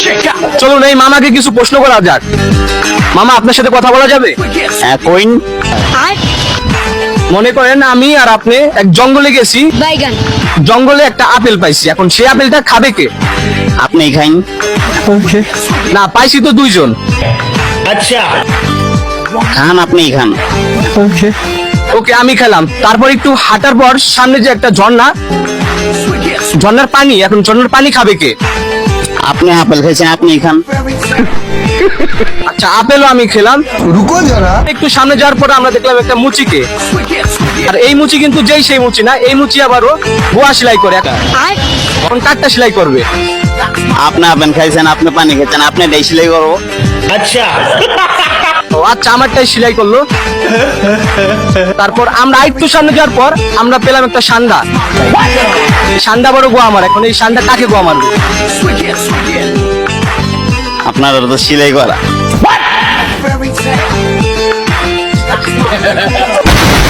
চলুন এই মামাকে কিছু প্রশ্ন করা যাক। মামা, আপনার সাথে কথা বলা যাবে? হ্যাঁ, কইন। মনে করেন আমি আর আপনি এক জঙ্গলে গেছি, বাইগান জঙ্গলে একটা আপেল পাইছি, এখন সেই আপেলটা খাবে কে? আপনি খাইন। না, পাইছি তো দুইজন। খান, আপনি খান। ওকে, আমি খেলাম। তারপর একটু হাঁটার পর সামনে যে একটা ঝর্ণা, ঝর্ণার পানি, এখন ঝর্ণার পানি খাবে কে? আপনি আপেল খাইছেন, আপনি খান। আচ্ছা, আপেলও আমি খেলাম। रुको जरा। একটু সামনে যাওয়ার পর আমরা দেখলাম একটা মুচিকে, আর এই মুচি কিন্তু যেই সেই মুচি না, এই মুচি আবারও বোয়া সেলাই করে। এখন কাঠটা সেলাই করবে। আপনি আপেল খাইছেন, আপনি পানি খাইছেন, আপনি এটাই সেলাই করবো। ও আচ্ছা, আমারটাই সেলাই করলো। তারপর আমরা একটু সামনে যাওয়ার পর আমরা পেলাম একটা সান্ডা। এই সান্ডা বড় গোয়া আমার, এখন এই সান্ডা কাকে গোয়া মারবে? আপনার তো সেলাই করা।